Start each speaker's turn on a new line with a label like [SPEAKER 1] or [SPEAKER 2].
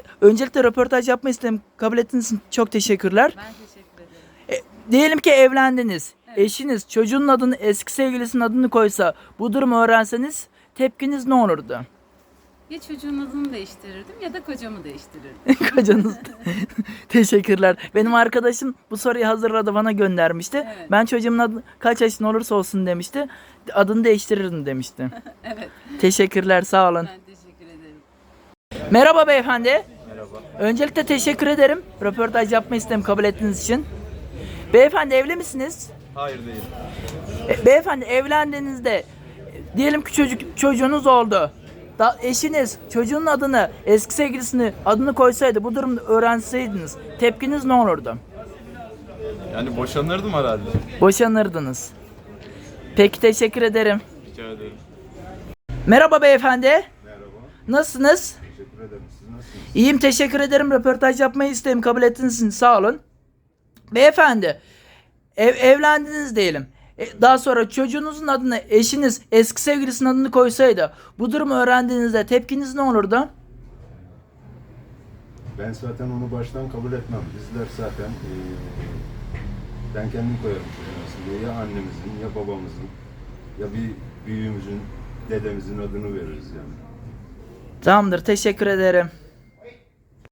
[SPEAKER 1] Öncelikle röportaj yapma istedim. Kabul ettiğiniz için çok teşekkürler.
[SPEAKER 2] Ben teşekkür ederim.
[SPEAKER 1] Diyelim ki evlendiniz.
[SPEAKER 2] Evet.
[SPEAKER 1] Eşiniz çocuğunun adını, eski sevgilisinin adını koysa, bu durumu öğrenseniz tepkiniz ne olurdu?
[SPEAKER 2] Ya çocuğun adını değiştirirdim ya da kocamı değiştirirdim.
[SPEAKER 1] Kocanız. Teşekkürler. Benim arkadaşım bu soruyu hazırladı, bana göndermişti.
[SPEAKER 2] Evet.
[SPEAKER 1] Ben çocuğumun adı kaç yaşında olursa olsun demişti. Adını değiştirirdim demişti.
[SPEAKER 2] Evet.
[SPEAKER 1] Teşekkürler, sağ olun.
[SPEAKER 2] Ben teşekkür ederim.
[SPEAKER 1] Merhaba beyefendi.
[SPEAKER 3] Merhaba.
[SPEAKER 1] Öncelikle teşekkür ederim. Röportaj yapma istedim kabul ettiğiniz için. Beyefendi evli misiniz?
[SPEAKER 3] Hayır değil.
[SPEAKER 1] Beyefendi evlendiğinizde diyelim ki çocuğunuz oldu. Eşiniz çocuğun adını, eski sevgilisini adını koysaydı, bu durumda öğrenseydiniz tepkiniz ne olurdu?
[SPEAKER 3] Yani boşanırdım herhalde.
[SPEAKER 1] Boşanırdınız. Peki, teşekkür ederim.
[SPEAKER 3] Rica ederim.
[SPEAKER 1] Merhaba beyefendi.
[SPEAKER 4] Merhaba,
[SPEAKER 1] Nasılsınız?
[SPEAKER 4] teşekkür ederim. Siz nasılsınız?
[SPEAKER 1] İyiyim, teşekkür ederim. Röportaj yapmayı istedim. Kabul ettiğiniz için sağ olun. Beyefendi, evlendiniz diyelim. Daha sonra çocuğunuzun adını, eşiniz eski sevgilisinin adını koysaydı, bu durumu öğrendiğinizde tepkiniz ne olurdu?
[SPEAKER 4] Ben zaten onu baştan kabul etmem. Bizler zaten ben kendim koyarım çocuğun diye. Ya annemizin, ya babamızın, ya bir büyüğümüzün, dedemizin adını veririz yani.
[SPEAKER 1] Tamamdır, teşekkür ederim.